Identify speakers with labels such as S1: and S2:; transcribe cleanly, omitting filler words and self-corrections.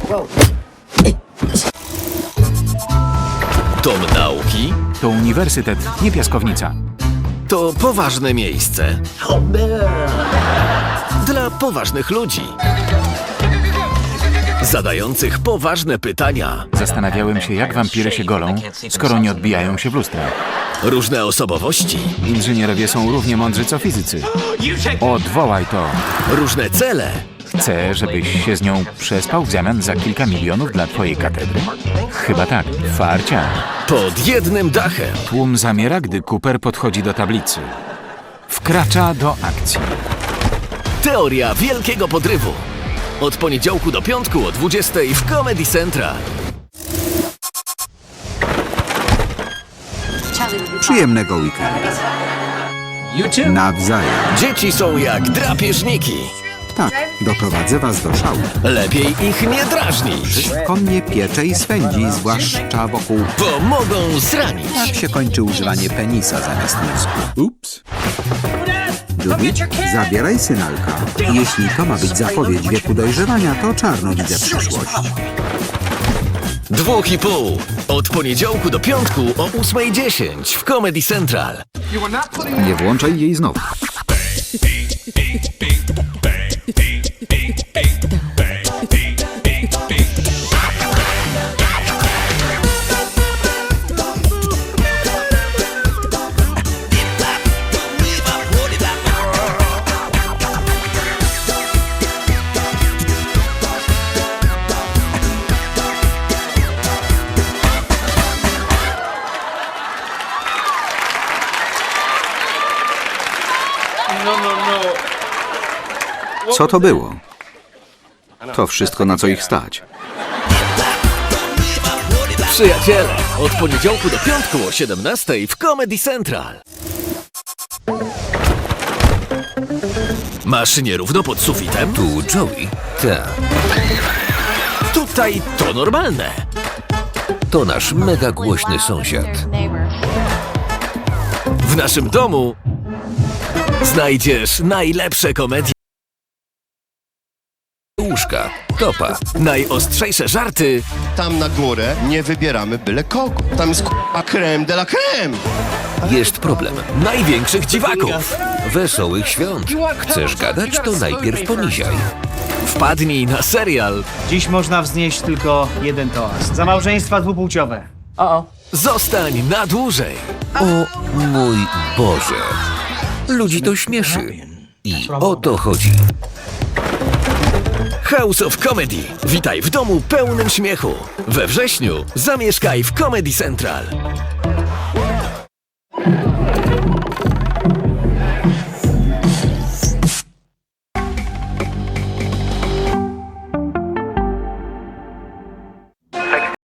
S1: Dom nauki
S2: To uniwersytet, nie piaskownica.
S1: to poważne miejsce. Dla poważnych ludzi. Zadających poważne pytania.
S2: Zastanawiałem się, jak wampiry się golą, skoro nie odbijają się w lustrach.
S1: Różne osobowości.
S2: Inżynierowie są równie mądrzy co fizycy. Odwołaj to.
S1: Różne cele.
S2: Chcę, żebyś się z nią przespał w zamian za kilka milionów dla twojej katedry? Chyba tak. Farcia.
S1: Pod jednym dachem.
S2: Tłum zamiera, gdy Cooper podchodzi do tablicy. Wkracza do akcji.
S1: Teoria wielkiego podrywu. Od poniedziałku do piątku o 20 w Comedy Central.
S3: Przyjemnego weekendu. Nawzajem.
S1: Dzieci są jak drapieżniki.
S3: Tak, doprowadzę was do szału.
S1: Lepiej ich nie drażnić,
S3: Wszystko mnie piecze i swędzi, zwłaszcza wokół.
S1: bo mogą zranić.
S3: Tak się kończy używanie penisa zamiast mózgu. Ups. Judy, zabieraj synalka. Jeśli to ma być zapowiedź wieku dojrzewania, to czarno widzę przyszłość.
S1: 2,5. Od poniedziałku do piątku o 8:10 w Comedy Central.
S3: Nie włączaj jej znowu. Co to było? To wszystko, na co ich stać.
S1: Przyjaciele, od poniedziałku do piątku o 17 w Comedy Central. Masz nierówno pod sufitem?
S4: Tu Joey. Tak,
S1: Tutaj to normalne.
S4: to nasz mega głośny sąsiad.
S1: W naszym domu znajdziesz najlepsze komedie,
S4: Łóżka, topa.
S1: najostrzejsze żarty,
S5: Tam na górę nie wybieramy byle kogo. Tam jest k***a creme de la creme.
S4: Jest problem.
S1: największych dziwaków.
S4: Wesołych świąt. Chcesz gadać, to najpierw poniziaj.
S1: Wpadnij na serial
S6: Dziś można wznieść tylko jeden toast. Za małżeństwa dwupłciowe.
S1: Zostań na dłużej.
S4: O mój Boże. Ludzi to śmieszy. I o to chodzi.
S1: House of Comedy. Witaj w domu pełnym śmiechu. We wrześniu zamieszkaj w Comedy Central.